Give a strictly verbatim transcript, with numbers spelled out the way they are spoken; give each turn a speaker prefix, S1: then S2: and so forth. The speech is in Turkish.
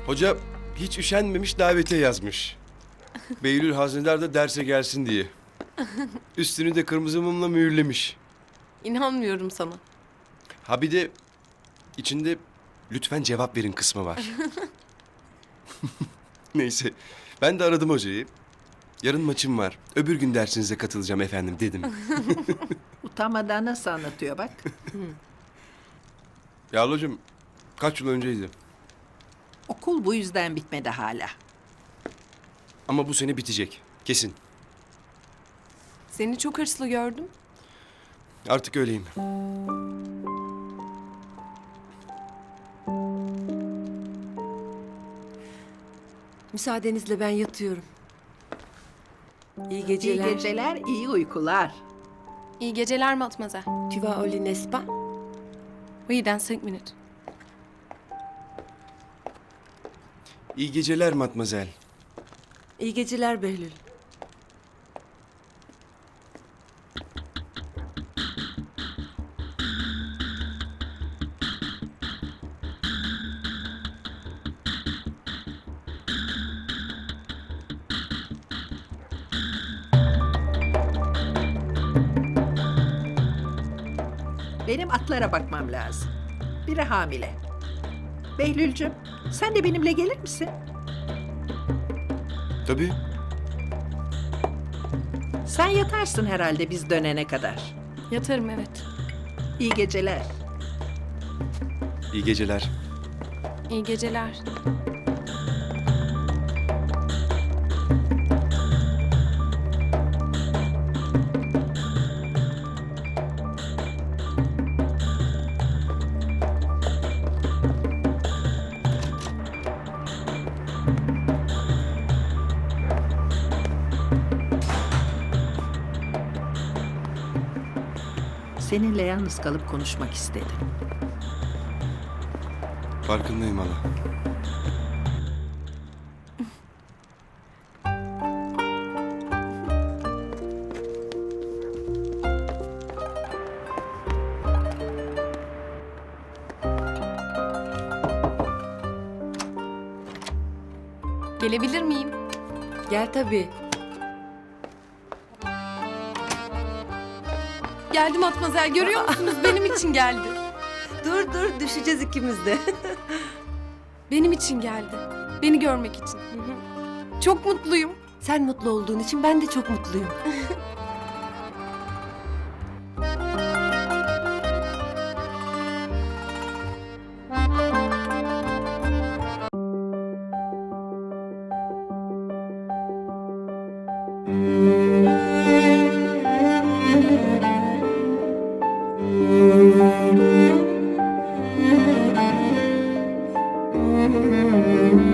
S1: Hoca hiç üşenmemiş davete yazmış. Beylül Haznedar da derse gelsin diye. Üstünü de kırmızı mumla mühürlemiş.
S2: İnanmıyorum sana.
S1: Ha bir de içinde lütfen cevap verin kısmı var. Neyse ben de aradım hocayı. Yarın maçım var. Öbür gün dersinize katılacağım efendim dedim.
S3: Utanmadan nasıl anlatıyor bak.
S1: Ya hocam kaç yıl önceydi.
S3: Okul bu yüzden bitmedi hala.
S1: Ama bu sene bitecek. Kesin.
S2: Seni çok hırslı gördüm.
S1: Artık öyleyim.
S4: Müsaadenizle ben yatıyorum. İyi geceler.
S3: İyi geceler, iyi uykular.
S2: İyi geceler Matmazel.
S4: Tu vas au lit, n'est-ce pas?
S2: Oui, dans cinq minutes.
S1: İyi geceler matmazel.
S4: İyi geceler Behlül.
S3: Benim atlara bakmam lazım. Biri hamile. Behlülcüm, sen de benimle gelir misin?
S1: Tabii.
S3: Sen yatarsın herhalde biz dönene kadar.
S2: Yatarım evet.
S3: İyi geceler.
S1: İyi geceler.
S2: İyi geceler.
S3: Seninle yalnız kalıp konuşmak istedim.
S1: Farkındayım hala.
S2: Gelebilir miyim?
S4: Gel tabii.
S2: Geldim Matmazel, görüyor musunuz? Benim için geldi.
S4: Dur dur düşeceğiz ikimiz de.
S2: Benim için geldi. Beni görmek için. Çok mutluyum.
S4: Sen mutlu olduğun için ben de çok mutluyum.
S5: Thank you.